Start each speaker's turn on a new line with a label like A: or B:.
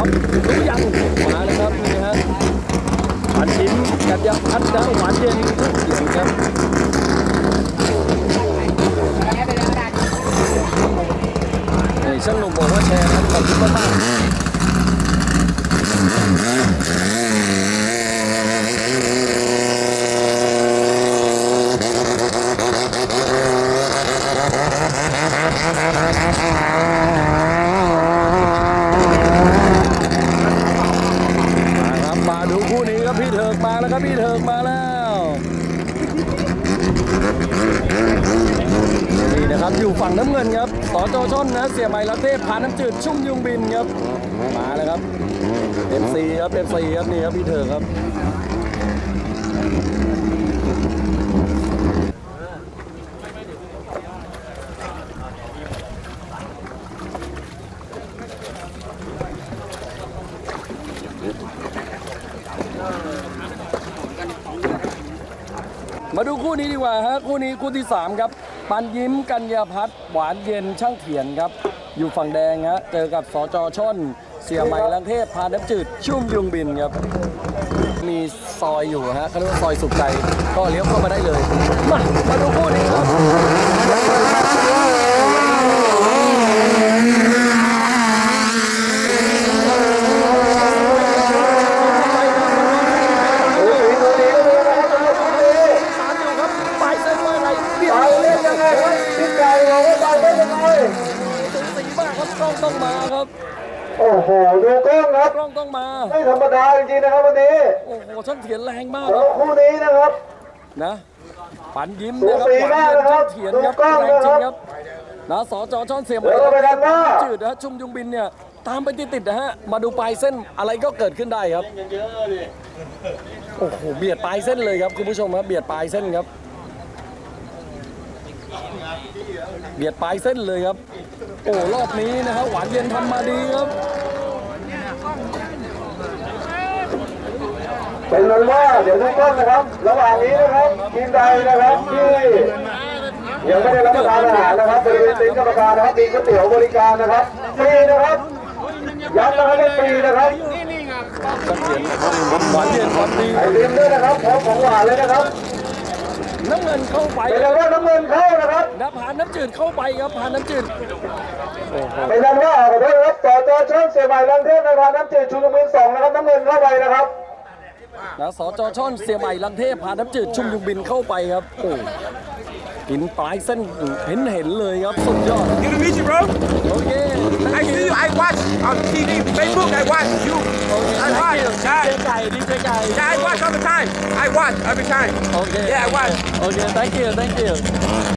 A: ครับรู้ยังมาเลยครับนี่ฮะปันยิ้มกัญญาพัฒน์นะหวานเย็นทุกเสียงครับนี่ช่างหนุ่มบอกว่าแชร์ครับขอบคุณมากมาดูคู่นี้ครับพี่เถิกมาแล้วครับพี่เถิกมาแล้วนี่นะครับอยู่ฝั่งน้ำเงินครับสจชนนะเสียใหม่ละเทพพาน้ำจืดชุ่มยุงบินครับมาแล้วครับ FC ครับ FC ครับนี่ครับพี่เถิกครับมาดูคู่นี้ดีกว่าฮะคู่นี้คู่ที่3ครับปันยิ้มกัญญาพัฒน์หวานเย็นช่างเถียนครับอยู่ฝั่งแดงฮะเจอกับสจชนเสียใหม่ลังเทพพาน้ำจืดชุ่มยุงบินครับมีซอยอยู่ฮะเขาเรียกว่าซอยสุขใจก็เลี้ยวเข้ามาได้เลยมาดูคู่นี้ครับต้องมาครับ
B: โอ้โหดูกล้องครับ
A: กล้องต้องมา
B: ไม่ธรรมดาจริงๆนะครับวันนี้
A: โอ้โหช่างเถียนแรงมาก
B: ครับคู่นี้นะครับ
A: นะปันยิ้มนะครับหวานเย็นช่างเถียนครับแรงจริงครับนะสจช่อนเสียมจืดนะชุ่มยุงบินเนี่ยตามไปติดๆนะฮะมาดูปลายเส้นอะไรก็เกิดขึ้นได้ครับโอ้โหเบียดปลายเส้นเลยครับคุณผู้ชมครับเบียดปลายเส้นครับเบียดปลายเส้นเลยครับโอ้รอบนี้นะครับหวานเย็นทำมาดีครับ
B: เป็นนั้นว่าเดี๋ยวทุกท่านนะครับระหว่างนี้นะครับทีมใดนะครับที่ยังไม่ได้รับประทานอาหารนะครับบริเวณตีนกรรมการนะครับมีก๋วยเตี๋ยวบริการนะครับฟรีนะครับย้ำนะครับฟรีนะครับ
A: จะเขียนหวานเย็นความดี
B: ไอติมด้วยนะครับพร้อมของหวานเลยนะครับ
A: น้ำเงินเข้าไป
B: เป็นนั้นว่าน้ำเงินเข้านะครับ
A: ผ่านน้ำจืดเข้าไปครับผ่านน้ำจืด
B: เป็นนั้นว่าขอโทษครับต่อจอช่องเสียใหม่ลังเทพในผ่านน้ำจืดชูนมือ2นะครับน้ำเงินเข้าไปนะครับ
A: นะสจช่อนเสียใหม่ลังเทพผ่านน้ำจืดชุ่มยุงบินเข้าไปครับโอ้กินปลายเส้นเห็นเลยครับสุดยอด
C: Good to meet you, bro.
A: โอเค
C: I see you. I watch on TV, Facebook. I watch you. I watch.
A: ดีใจดีใจ
C: Yeah, I watch all the time. I watch every time.
A: Okay.
C: Yeah, I watch.
A: Okay, thank you.